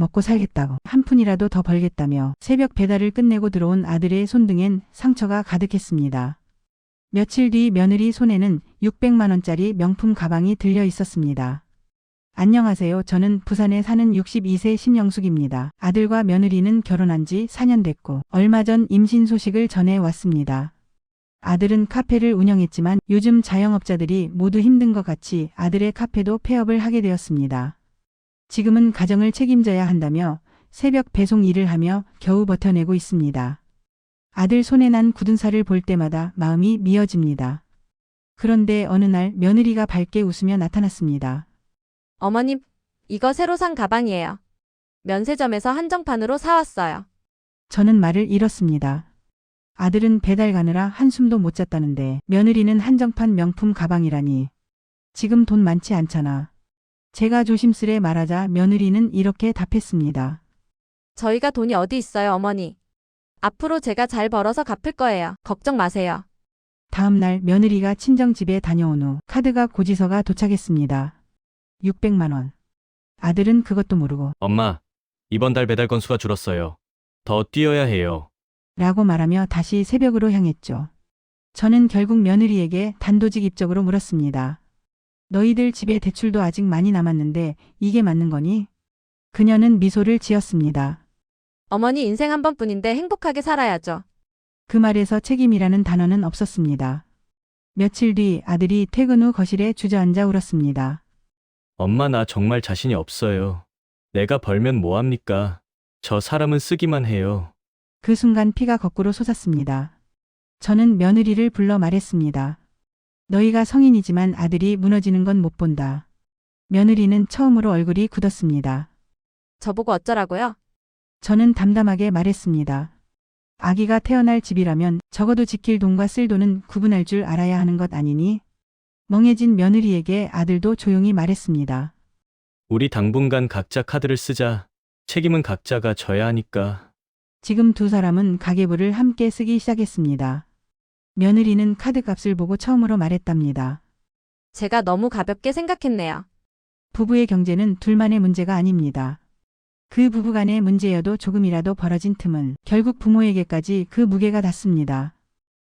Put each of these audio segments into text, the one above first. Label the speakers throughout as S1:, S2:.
S1: 먹고 살겠다고 한 푼이라도 더 벌겠다며 새벽 배달을 끝내고 들어온 아들의 손등엔 상처가 가득했습니다. 며칠 뒤 며느리 손에는 600만 원짜리 명품 가방이 들려 있었습니다. 안녕하세요. 저는 부산에 사는 62세 심영숙입니다. 아들과 며느리는 결혼한 지 4년 됐고 얼마 전 임신 소식을 전해 왔습니다. 아들은 카페를 운영했지만 요즘 자영업자들이 모두 힘든 것 같이 아들의 카페도 폐업을 하게 되었습니다. 지금은 가정을 책임져야 한다며 새벽 배송 일을 하며 겨우 버텨내고 있습니다. 아들 손에 난 굳은 살을 볼 때마다 마음이 미어집니다. 그런데 어느 날 며느리가 밝게 웃으며 나타났습니다.
S2: 어머님, 이거 새로 산 가방이에요. 면세점에서 한정판으로 사왔어요.
S1: 저는 말을 잃었습니다. 아들은 배달 가느라 한숨도 못 잤다는데 며느리는 한정판 명품 가방이라니. 지금 돈 많지 않잖아. 제가 조심스레 말하자 며느리는 이렇게 답했습니다.
S2: 저희가 돈이 어디 있어요, 어머니. 앞으로 제가 잘 벌어서 갚을 거예요. 걱정 마세요.
S1: 다음 날 며느리가 친정집에 다녀온 후 카드가 고지서가 도착했습니다. 600만 원. 아들은 그것도 모르고
S3: 엄마, 이번 달 배달 건수가 줄었어요. 더 뛰어야 해요.
S1: 라고 말하며 다시 새벽으로 향했죠. 저는 결국 며느리에게 단도직입적으로 물었습니다. 너희들 집에 대출도 아직 많이 남았는데 이게 맞는 거니? 그녀는 미소를 지었습니다.
S2: 어머니 인생 한 번뿐인데 행복하게 살아야죠.
S1: 그 말에서 책임이라는 단어는 없었습니다. 며칠 뒤 아들이 퇴근 후 거실에 주저앉아 울었습니다.
S3: 엄마, 나 정말 자신이 없어요. 내가 벌면 뭐합니까? 저 사람은 쓰기만 해요.
S1: 그 순간 피가 거꾸로 솟았습니다. 저는 며느리를 불러 말했습니다. 너희가 성인이지만 아들이 무너지는 건 못 본다. 며느리는 처음으로 얼굴이 굳었습니다.
S2: 저보고 어쩌라고요?
S1: 저는 담담하게 말했습니다. 아기가 태어날 집이라면 적어도 지킬 돈과 쓸 돈은 구분할 줄 알아야 하는 것 아니니? 멍해진 며느리에게 아들도 조용히 말했습니다.
S3: 우리 당분간 각자 카드를 쓰자. 책임은 각자가 져야 하니까.
S1: 지금 두 사람은 가계부를 함께 쓰기 시작했습니다. 며느리는 카드값을 보고 처음으로 말했답니다.
S2: 제가 너무 가볍게 생각했네요.
S1: 부부의 경제는 둘만의 문제가 아닙니다. 그 부부간의 문제여도 조금이라도 벌어진 틈은 결국 부모에게까지 그 무게가 닿습니다.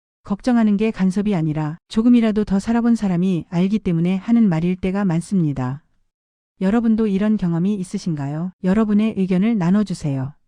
S1: 걱정하는 게 간섭이 아니라 조금이라도 더 살아본 사람이 알기 때문에 하는 말일 때가 많습니다. 여러분도 이런 경험이 있으신가요? 여러분의 의견을 나눠주세요.